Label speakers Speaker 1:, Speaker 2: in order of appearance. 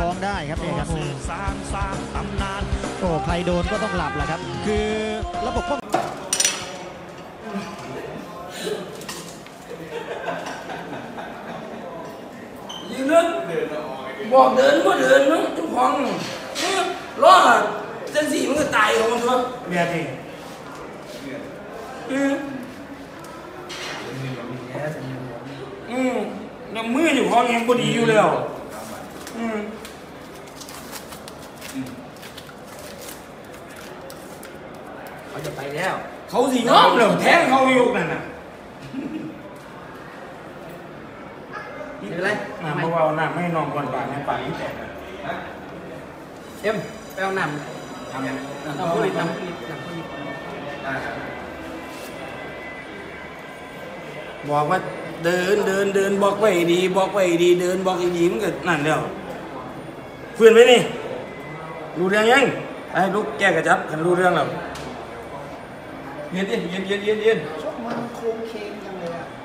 Speaker 1: ท้องได้ครับเนี่ยครับโอ้ใครโดนก็ต้องหลับแหละครับคือระบบป้อง
Speaker 2: ยืนนึกบอกเดินก็เดินนึกทุกห้องล้อเส้นสีมันก็ตายของมันตัวเบียดดิยังมืออยู่ห้องยังก็ดีอยู่แล้วเขาจะไปแล้วเขาสิง้อมเลยแทงเขาอยู่นั่นน่ะนี่เป็นไรเมื่อวานน้ำไม่นอนก่อนป่าในป่าที่แตกเอ็มไปเอาน้ำทำยังน้ำผลิตบอกว่าเดินบอกไว้ดีเดินบอกดีมันก็นั่นเดียวเพื่อนไปนี่รู้เรื่องยังไอ้ลูกแก้กระจับกันรู้เรื่องแล้วเย็นชกมันโค้งเคงยังเลยอ่ะ